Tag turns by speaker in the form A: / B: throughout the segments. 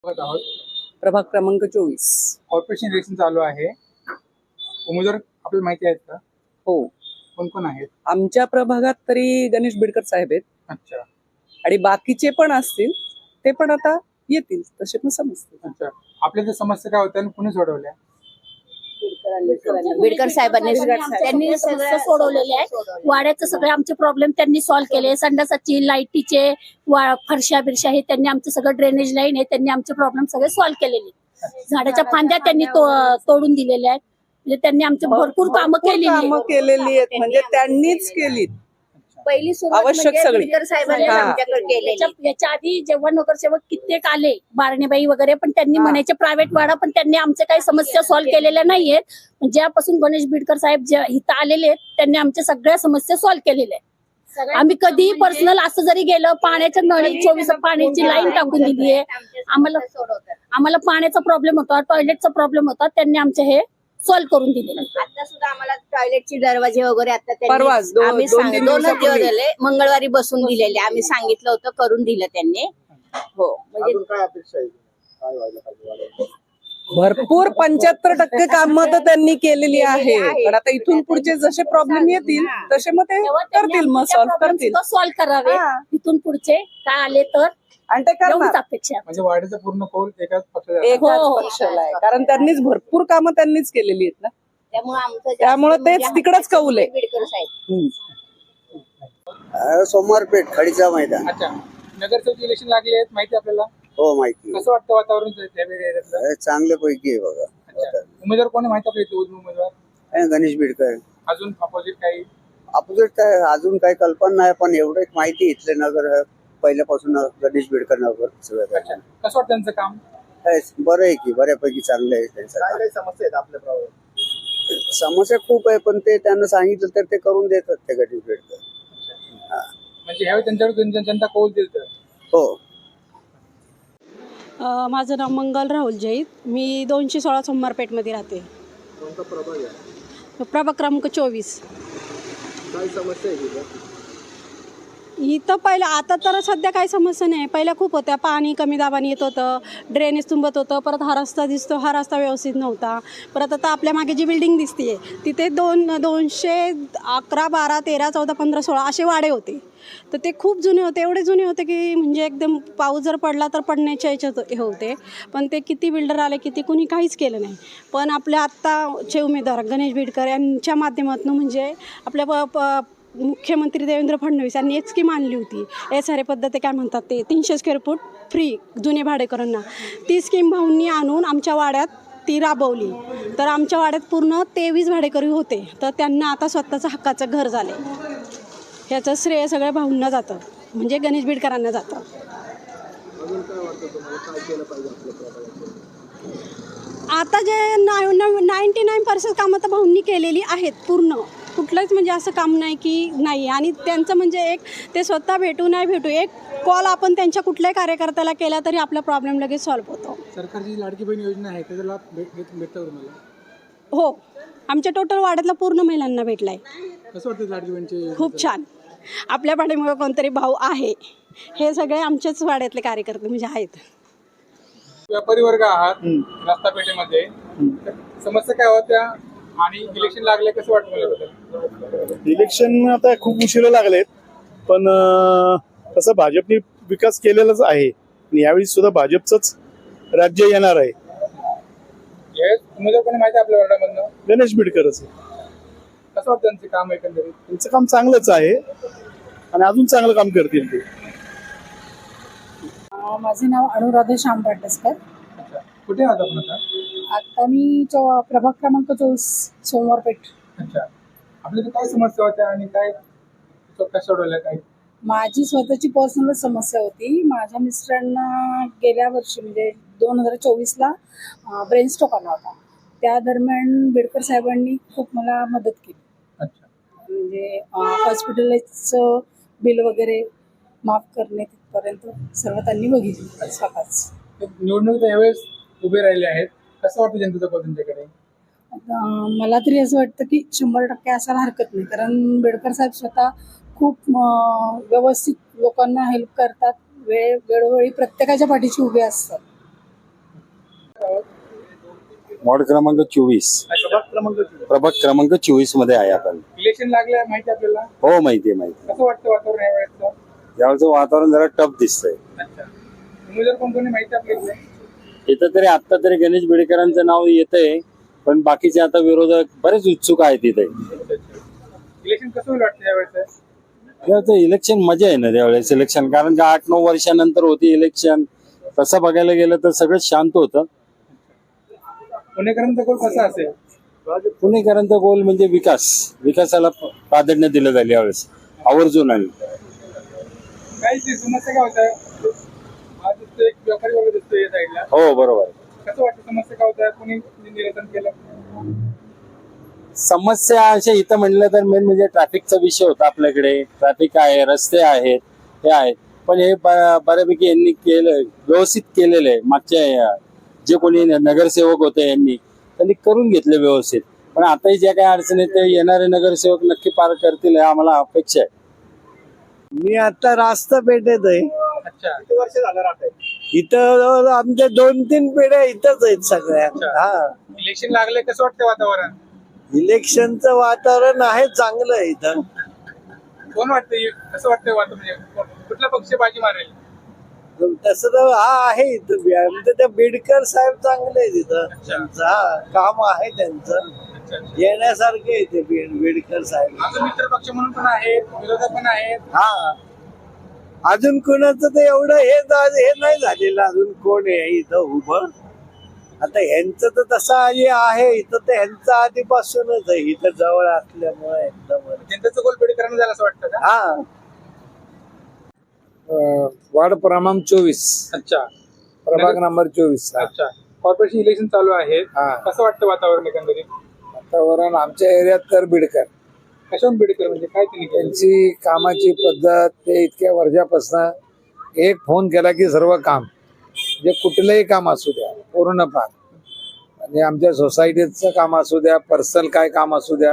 A: आहोत
B: प्रभाग क्रमांक 24.
A: कॉर्पोरेशन इलेक्शन चालू आहे. उमेदवार आपल्याला माहिती आहेत का?
B: हो,
A: कोण कोण आहेत?
B: आमच्या प्रभागात तरी गणेश बिडकर साहेब आहेत
A: अच्छा
B: आणि बाकीचे पण असतील, ते पण आता येतील तसे पण समजतील.
A: अच्छा. आपल्या ज्या समस्या काय होत्या आणि कुणी सोडवल्या?
C: बिडकर साहेबांनी त्यांनी समस्या सोडवलेल्या आहेत. वाड्याचं सगळे आमचे प्रॉब्लेम त्यांनी सॉल्व्ह केले. संडासाची, लाईटीचे, फरशा बिरशा हे त्यांनी आमचं सगळं ड्रेनेज लाईन हे त्यांनी आमचे प्रॉब्लेम सगळे सॉल्व्ह केलेले. झाडाच्या फांद्या त्यांनी तोडून दिलेल्या आहेत. म्हणजे त्यांनी आमची भरपूर कामं
B: केलेली आहेत, म्हणजे त्यांनीच केली.
C: पहिली सुरुवात
B: आवश्यक
C: म्हणजे
B: सगळी.
C: बिडकर साहेबांनी
B: हा.
C: आमच्याकडे केलेली. याच्या आधी जेव्हा नगरसेवक कित्येक आले, बारणेबाई वगैरे, पण त्यांनी म्हणायचे प्रायव्हेट वाडा, पण त्यांनी आमच्या काही समस्या सॉल्व्ह केलेल्या नाहीयेत. ज्यापासून गणेश बिडकर साहेब इथं आलेले आहेत, त्यांनी आमच्या सगळ्या समस्या सॉल्व्ह केलेल्या आहेत. आम्ही कधीही पर्सनल असं जरी गेलं, पाण्याच्या नळी 24 पाण्याची लाईन टाकून दिली आहे. आम्हाला पाण्याचा प्रॉब्लेम होता, टॉयलेटचा प्रॉब्लेम होता, त्यांनी आमचे हे सॉल्व्ह करून दिले. आता सुद्धा आम्हाला टॉयलेटचे दरवाजे वगैरे आता
B: परवाच
C: आम्ही 2 दिवस झाले मंगळवारी बसून दिलेले. आम्ही सांगितलं होतं, करून दिलं त्यांनी. हो, म्हणजे
D: काय अपेक्षा आहे? काय व्हायला पाहिजे?
B: भरपूर 75% कामं तर त्यांनी केलेली आहे. पण आता इथून पुढचे जसे प्रॉब्लेम येतील तसे मग ते करतील, मग सॉल्व्ह करतील.
C: सॉल्व्ह करावे. इथून पुढचे काय आले तर
B: आणि ते
C: एवढीच
B: करणार.
C: अपेक्षा आहे.
A: म्हणजे वाढीचा पूर्ण कौल एकाच पक्षाचा.
B: एकाच
C: हो.
B: पक्षाला आहे, कारण त्यांनीच भरपूर कामं त्यांनीच केलेली आहेत ना. त्यामुळे तेच
C: म्हणजे
B: तिकडच कौल आहे.
C: बिडकर साहेब.
D: सोमवारपेठ खडीचा मैदान.
A: अच्छा. नगरसेवक इलेक्शन लागले आहेत, माहिती आपल्याला?
D: हो, माहिती
A: कसं वाटतं वातावरण त्यावेळी एरियातलं?
D: चांगल्यापैकी आहे बघा.
A: अच्छा. उमेदवार कोणी माहिती आपल्या इथे उमेदवार?
D: गणेश बिडकर.
A: अजून अपोजिट काही?
D: अपोजिट काय अजून काही कल्पना नाही, पण एवढं एक माहिती इथले नगर पहिल्यापासून गणेश बिडकर नगर सगळं
A: अच्छा. कसं वाटतं त्यांचं काम?
D: बरं आहे की, बऱ्यापैकी चांगलं आहे त्यांचं.
E: काही समस्या आहेत आपल्या प्रभागात?
D: समस्या खूप आहे, पण ते त्यांना सांगितलं तर ते करून देतात ते गणेश बिडकर.
A: म्हणजे ह्यावेळी त्यांच्यावर जनता कौल देईल तर?
D: हो.
F: माझं नाव मंगल राहुल जैद. मी 216 सोमवारपेठमध्ये राहते.
E: कोणता प्रभाग आहे?
F: प्रभाग क्रमांक 24.
E: काय समस्या आहे तिथं?
F: इथं पहिलं, आता तर सध्या काही समस्या नाही. पहिल्या खूप होत्या. पाणी कमी दाबाने येत होतं, ड्रेनेज तुंबत होतं. परत हा रस्ता दिसतो, हा रस्ता व्यवस्थित नव्हता. परत आता आपल्या मागे जी बिल्डिंग दिसते तिथे 211, 12, 13, 14, 15, 16 असे वाडे होते. तर ते खूप जुने होते, एवढे जुने होते की म्हणजे एकदम पाऊस जर पडला तर पडण्याच्या याच्यात हे होते. पण ते किती बिल्डर आले, किती कुणी काहीच केलं नाही. पण आपल्या आत्ताचे उमेदवार गणेश बिडकर यांच्या माध्यमातून म्हणजे आपल्या मुख्यमंत्री देवेंद्र फडणवीस यांनी एक स्कीम आणली होती. SRA पद्धती काय म्हणतात ते, 300 स्क्वेअर फूट फ्री जुने भाडेकरांना. ती स्कीम भाऊंनी आणून आमच्या वाड्यात ती राबवली. तर आमच्या वाड्यात पूर्ण 23 भाडेकरी होते. तर त्यांना आता स्वतःचं हक्काचं घर झाले. ह्याचं श्रेय सगळ्या भाऊंना जातं, म्हणजे गणेश बिडकरांना जातं.
E: अजून काय वाटतं तुम्हाला? काय केलं पाहिजे आपल्या प्रभागात?
F: आता जे 99% कामं तर भाऊंनी केलेली आहेत पूर्ण. कुठलंच म्हणजे असं काम नाही की नाही. आणि त्यांचं म्हणजे एक ते स्वतः भेटू नाही भेटू, एक कॉल आपण त्यांच्या कुठल्याही कार्यकर्त्याला केला तरी आपला प्रॉब्लेम लगेच सॉल्व्ह होतो.
A: सरकारची लाडकी बहीण योजना आहे, त्याचा लाभ भेटतो तुम्हाला?
F: हो, आमच्या टोटल वाड्यातला पूर्ण महिलांना भेटला आहे.
A: कसं वाटतं लाडकी बहीणची?
F: खूप छान. आपल्या पाठीमागे कोणतरी भाऊ आहे. हे सगळे आमच्याच वाड्यातले कार्यकर्ते म्हणजे आहेत.
A: व्यापारी वर्ग आहात रस्ता पेठेमध्ये, तर समस्या काय होत्या आणि इलेक्शन लागले, कसं वाटतं मला?
G: इलेक्शन आता खूप उशिरा लागलेत, पण तसं भाजपने विकास केलेलाच आहे आणि यावेळी सुद्धा भाजपचंच राज्य येणार आहे.
A: उमेदवार कोणी माहिती आहे आपल्या वार्डामधनं?
G: गणेश बिडकरच आहे.
A: कसं वाटतं त्यांचं काम एकंदरीत?
G: त्यांचं काम चांगलंच आहे आणि अजून चांगलं काम करतील ते.
H: माझे नाव अनुराधा श्याम पाटसकर.
A: कुठे आहात आपण आता?
H: आता मी प्रभाग क्रमांक 24 सोमवारपेठ.
A: अच्छा. आपल्या इथे काय समस्या होत्या आणि काय कशा सोडवल्या? काय
H: माझी स्वतःची पर्सनल समस्या होती. माझ्या मिस्टरांना गेल्या वर्षी म्हणजे 2024ला ब्रेन स्ट्रोक आला होता. त्या दरम्यान बिडकर साहेबांनी खूप मला मदत केली.
A: अच्छा.
H: म्हणजे हॉस्पिटलचं बिल वगैरे माफ करणे तिथपर्यंत सर्व त्यांनी बघितलं स्वतःच.
A: निवडणूक यावेळेस उभे राहिले आहेत, कसं वाटतं जनतेचा कौल त्यांच्याकडे?
H: मला तरी असं वाटतं की 100% असायला हरकत नाही, कारण बिडकर साहेब स्वतः खूप व्यवस्थित लोकांना हेल्प करतात. वेळोवेळी प्रत्येकाच्या पाठीशी उभे असतात.
I: वॉर्ड क्रमांक 24, प्रभाग क्रमांक 24 मध्ये आहे आपण.
A: इलेक्शन लागलंय माहिती आपल्याला,
I: हो माहिती आहे.
A: कसं वाटतं वातावरण यावेळेचं?
I: यावेळेचं वातावरण जरा टफ दिसतंय.
A: अच्छा, उमेदवार कोण कोणी माहिती आपल्याला?
I: इथं तरी आता तरी गणेश बिडकरांचं नाव येतंय, पण बाकीचे आता विरोधक बरेच उत्सुक आहेत इथे.
A: इलेक्शन कसं होईल वाटतं यावेळेचं?
I: त्याचं इलेक्शन मजा आहे ना त्यावेळेस इलेक्शन, कारण का 8-9 वर्षानंतर होती इलेक्शन. तसं बघायला गेलं तर सगळं शांत होतं.
A: पुणेकरांचा कोण कसा असेल?
I: पुणेकरांचा गोल म्हणजे विकासाला प्राधान्य दिलं जाईल यावेळेस आवर्जून. आणि
A: काय ती समस्या काय होत? आज दिसतोय एक व्यापारी वर्ग दिसतोय या साईडला.
I: हो बरोबर आहे.
A: कसं वाटतं समस्या काय होत? कोणी निवेदन केलं?
I: समस्या अशा इथं म्हणलं तर मेन म्हणजे ट्रॅफिकचा विषय होता आपल्याकडे. ट्रॅफिक आहे, रस्ते आहेत, हे आहेत, पण हे बऱ्यापैकी यांनी केलं, व्यवस्थित केलेलं आहे. मागच्या जे कोणी नगरसेवक होते त्यांनी करून घेतले व्यवस्थित. पण आताही ज्या काही अडचणी ते येणारे नगरसेवक नक्की पार करतील हे आम्हाला अपेक्षा आहे.
J: मी आता रास्ता पेठेत आहे.
A: अच्छा, किती वर्ष झालं राहतंय?
J: इथं आमच्या 2-3 पिढ्या इथंच आहेत सगळ्या. हा,
A: इलेक्शन लागले, कसं वाटतं वातावरण?
J: इलेक्शनचं वातावरण आहे चांगलं आहे इथं.
A: कोण वाटतं, कसं वाटतं वातावरण? म्हणजे कुठला पक्ष बाजी मारेल?
J: तसं तर आहे इथं म्हणजे त्या बिडकर साहेब चांगले आहेत इथं. त्यांचं काम आहे त्यांचं येण्यासारखे आहे ते बिडकर साहेब.
A: आमचे मित्र पक्ष म्हणून पण आहेत, विरोधक पण आहेत.
J: हा, अजून कोणाचं ते एवढं हे नाही झालेलं अजून कोण आहे इथं उभं. आता ह्यांचं तर तसं जे आहे इथं ते ह्यांचं आधीपासूनच आहे इथं जवळ असल्यामुळे एकदम.
A: जनतेचं गोल बिडकरांना झालं असं वाटतं का?
J: हा,
E: वार्ड क्रमांक 24,
A: अच्छा,
E: प्रभाग नंबर 24.
A: अच्छा. कॉर्पोरेशन इलेक्शन चालू आहे,
E: हा.
A: कसं वाटतं वातावरण एकंदरीत?
E: वातावरण आमच्या एरियात तर बिडकर.
A: कशावरून बिडकर म्हणजे काय त्यांनी केलं?
E: त्यांची कामाची पद्धत, ते इतक्या वर्षापासून एक फोन केला की सर्व काम, म्हणजे कुठलंही काम असू द्या पूर्ण पार, म्हणजे आमच्या सोसायटीचं काम असू द्या, पर्सनल काय काम असू द्या,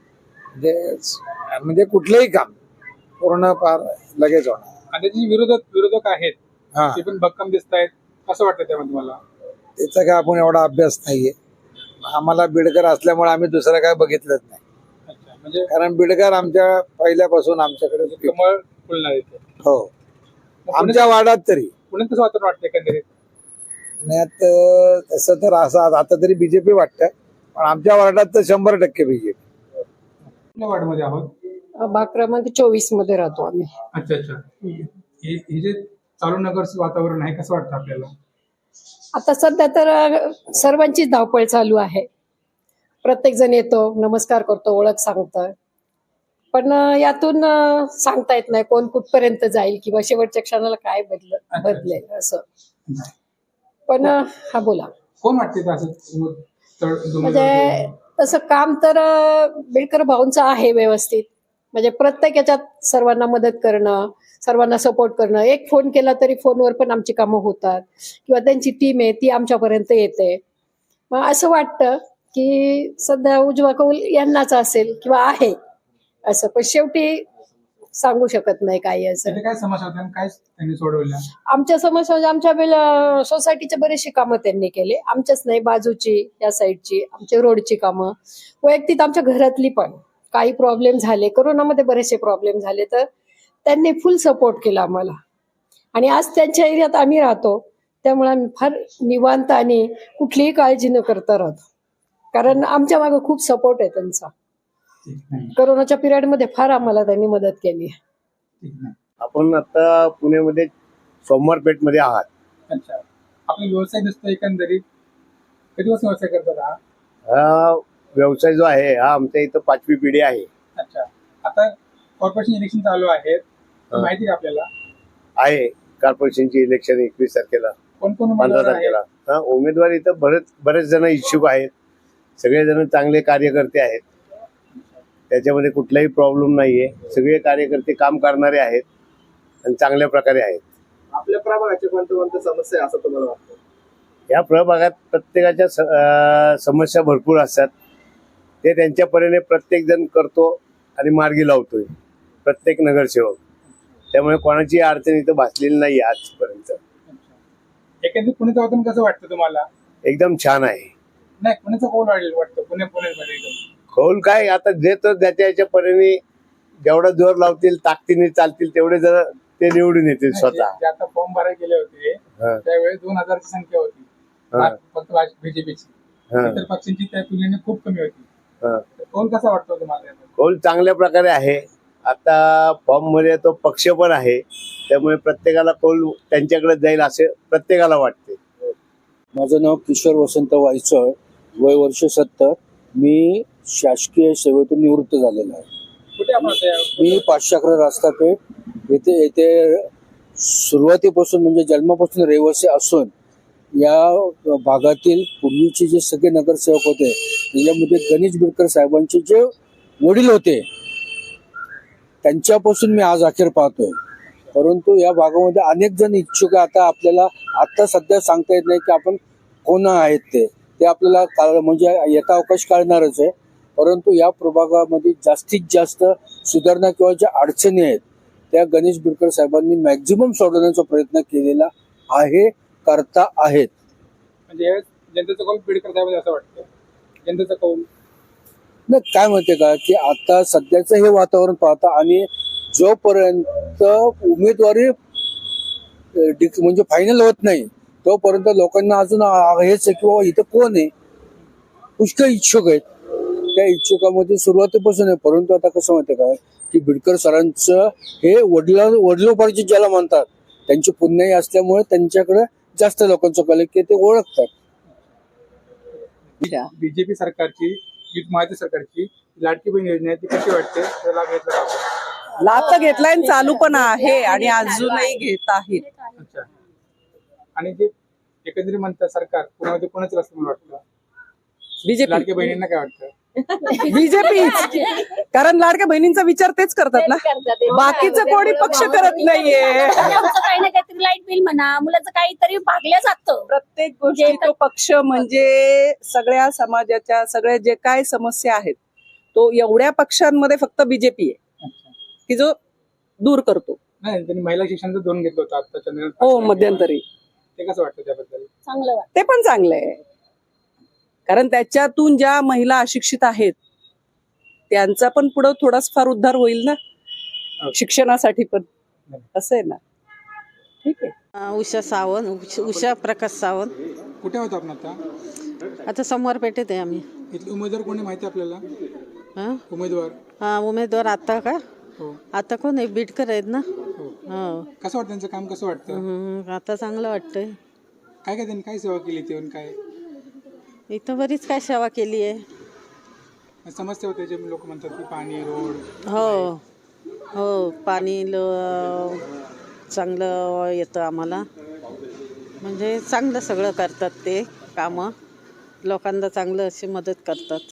E: म्हणजे कुठलंही काम पूर्ण पार लगेच होणार.
A: आणि त्याचे विरोधक आहेत
E: हा,
A: ते पण भक्कम दिसत आहेत, कसं वाटतं त्यामध्ये तुम्हाला?
E: त्याचा काय आपण एवढा अभ्यास नाहीये. आम्हाला बिडकर असल्यामुळे आम्ही दुसरं काय बघितलंच नाही.
A: अच्छा, म्हणजे
E: कारण बिडकर आमच्या पहिल्यापासून आमच्याकडे
A: कमळ फुलणार येते.
E: हो, आमच्या वार्डात तरी.
A: पुण्यात कसं वातावरण वाटतं एकंदरीत?
E: पुण्यात तसं तर असं आता तरी बीजेपी वाटतं, पण आमच्या वार्डात तर 100% बीजेपी.
A: कुठल्या वार्डमध्ये आहोत?
B: भाग क्रमांक 24 मध्ये राहतो आम्ही.
A: अच्छा अच्छा. हे जे चालू नगर वातावरण आहे, कसं वाटतं आपल्याला?
B: आता सध्या तर सर्वांचीच धावपळ चालू आहे. प्रत्येक जण येतो, नमस्कार करतो, ओळख सांगतं, पण यातून सांगता येत नाही कोण कुठपर्यंत जाईल किंवा शेवटच्या क्षणाला काय बदलेल असं. पण हा बोला,
A: कोण वाटते असं?
B: म्हणजे तसं काम तर बिडकर भाऊंचं आहे व्यवस्थित. म्हणजे प्रत्येक याच्यात सर्वांना मदत करणं, सर्वांना सपोर्ट करणं. एक फोन केला तरी फोनवर पण आमची कामं होतात, किंवा त्यांची टीम आहे ती आमच्यापर्यंत येते. मग असं वाटतं की सध्या उजवा कौल यांनाच असेल किंवा आहे असं, पण शेवटी सांगू शकत नाही काही असं.
A: काय समस्या होत्या, काय त्यांनी सोडवल्या?
B: आमच्या समस्या म्हणजे आमच्या सोसायटीचे बरेचसे कामं त्यांनी केले. आमच्याच नाही, बाजूची, या साईडची, आमच्या रोडची कामं, वैयक्तिक आमच्या घरातली पण काही प्रॉब्लेम झाले, कोरोनामध्ये बरेचसे प्रॉब्लेम झाले, तर त्यांनी फुल सपोर्ट केला आम्हाला. आणि आज त्यांच्या एरियात आम्ही राहतो, त्यामुळे आम्ही फार निवांत आणि कुठलीही काळजी न करता राहतो, कारण आमच्या मागे खूप सपोर्ट आहे त्यांचा. कोरोनाच्या पिरियडमध्ये फार आम्हाला त्यांनी मदत केली.
J: आपण आता पुण्यामध्ये सोमवार पेठ मध्ये आहात.
A: अच्छा, आपला व्यवसाय दिसतो एकंदरीत, किती वर्ष व्यवसाय करतात?
J: हा व्यवसाय जो आहे हा आमच्या इथं 5वी पिढी आहे.
A: अच्छा, आता कॉर्पोरेशन इलेक्शन चालू आहे, माहिती का आपल्याला?
J: आहे कॉर्पोरेशनची इलेक्शन 21 तारखेला,
A: कोण कोण
J: 15
A: उमेदवार आहेत?
J: तारखेला. हा, उमेदवार इथं बरेच जण इच्छुक आहेत. सगळेजण चांगले कार्यकर्ते आहेत, त्याच्यामध्ये कुठलाही प्रॉब्लेम नाहीये. सगळे कार्यकर्ते काम करणारे आहेत आणि चांगल्या प्रकारे आहेत.
E: आपल्या प्रभागाची कोणत्या समस्या आहे असं तुम्हाला वाटतं?
J: या प्रभागात प्रत्येकाच्या समस्या भरपूर असतात. ते त्यांच्या परीने प्रत्येक जण करतो आणि मार्गी लावतोय, प्रत्येक नगरसेवक. त्यामुळे कोणाची अडचण इथं भासलेली नाही आजपर्यंत.
A: एकंदरीत पुण्याचं वातावरण कसं वाटतं तुम्हाला?
J: एकदम छान आहे.
A: नाही, पुण्याचं कोण वाटतं पुण्यामध्ये
J: कौल काय आता देतो त्याच्या याच्या परीने जेवढा जोर लावतील ताकदीने चालतील तेवढे जर ते निवडून येतील स्वतः.
A: जे आता फॉर्म भरायला गेले होते
J: हा.
A: त्यावेळेस 2000ची संख्या होती
J: हा.
A: फक्त बीजेपीची.
J: हा.
A: इतर पक्षांची त्या तुलनेने खूप कमी होती.
J: हा.
A: तर कौल कसा वाटतो तुम्हाला याचा?
J: कौल चांगल्या प्रकारे आहे. आता फॉर्म मध्ये तो पक्ष पण आहे त्यामुळे प्रत्येकाला कौल त्यांच्याकडे जाईल असे प्रत्येकाला वाटते.
I: माझं नाव किशोर वसंत वायचळ, वय वर्ष 70. मी शासकीय सेवेतून निवृत्त झालेलो आहे.
A: कुठे आपण आता
I: मी 511 रास्तापेठ येथे सुरुवातीपासून म्हणजे जन्मापासून रहिवासी असून या भागातील पूर्वीचे जे सगळे नगरसेवक होते त्याच्यामध्ये गणेश बिडकर साहेबांचे जे वडील होते त्यांच्यापासून मी आज अखेर पाहतोय. परंतु या भागामध्ये अनेक जण इच्छुक आता आपल्याला आता सध्या सांगता येत नाही की आपण कोण आहेत ते आपल्याला म्हणजे येता अवकाश काढणारच आहे. परंतु या प्रभागामध्ये जास्तीत जास्त सुधारणा किंवा ज्या अडचणी आहेत त्या गणेश बिडकर साहेबांनी मॅक्झिमम सोडवण्याचा प्रयत्न केलेला आहे, करता आहेत.
A: म्हणजे यावेळेस जनतेचा कौल बीडकर साहेब असं वाटतं. जनतेचा कौल
I: नाही काय म्हणते का की आता सध्याचं हे वातावरण पाहता आणि जोपर्यंत उमेदवारी म्हणजे फायनल होत नाही तोपर्यंत लोकांना अजून हेच आहे की बाबा इथं कोण आहे. पुष्कळ इच्छुक आहेत, त्या इच्छुकामध्ये सुरुवातीपासून आहे. परंतु आता कसं माहितीये का की बिडकर सरांचं हे वडिलोपार्जित ज्याला म्हणतात त्यांची पुण्याई असल्यामुळे त्यांच्याकडे जास्त लोकांचं कल की ते ओळखतात.
A: बीजेपी सरकारची महायुती सरकारची लाडकी बहीण योजना आहे ती कशी वाटते? त्याला लाभ घेतला का?
K: लाभ तर घेतलाय आणि चालू पण आहे आणि अजूनही घेत आहेत.
A: अच्छा. आणि जे एकंदरीत म्हणतात सरकार पुण्यामध्ये कोणाचं असं मला वाटतं?
K: बीजेपी
A: लाडकी बहिणींना काय वाटतं?
K: बीजेपी कारण लाडक्या बहिणींचा विचार तेच करतात ना, बाकीचं कोणी पक्ष करत नाहीये.
C: आमचं काही ना काहीतरी लाईट बिल म्हणा, मुलाचं काहीतरी भागल्या जातं.
K: प्रत्येक गोष्टी तो पक्ष म्हणजे सगळ्या समाजाच्या सगळ्या जे काय समस्या आहेत तो एवढ्या पक्षांमध्ये फक्त बीजेपी आहे की जो दूर करतो.
A: नाही, त्यांनी महिला शिक्षणाचं धोरण घेतलं होतं आता
K: हो मध्यंतरी,
A: ते कसं वाटतं त्याबद्दल?
C: चांगलं वाटतं.
K: ते पण चांगलं आहे कारण त्याच्यातून ज्या महिला अशिक्षित आहेत त्यांचा पण पुढं थोडाच फार उद्धार होईल ना शिक्षणासाठी पण. असं आहे ना. ठीक आहे.
L: उषा सावंत, उषा प्रकाश सावंत.
A: कुठे होतो आपण आता?
L: आता समोर पेठेत आहे आम्ही.
A: इथले उमेदवार कोणी माहिती आपल्याला?
L: हा
A: उमेदवार
L: आता का?
A: हो.
L: आता कोण आहे? बिडकर आहेत ना.
A: हो.
L: हो.
A: कसं वाटतं त्यांचं काम? कसं वाटतं?
L: आता चांगलं वाटतंय.
A: काय काय त्यांनी काय सेवा केली ते काय
L: इथं बरीच काय सेवा केली आहे.
A: समस्या होते जे लोक म्हणतात की पाणी, रोड.
L: हो हो, पाणी चांगलं येतं आम्हाला. म्हणजे चांगलं सगळं करतात ते कामं, लोकांना चांगलं अशी मदत करतात.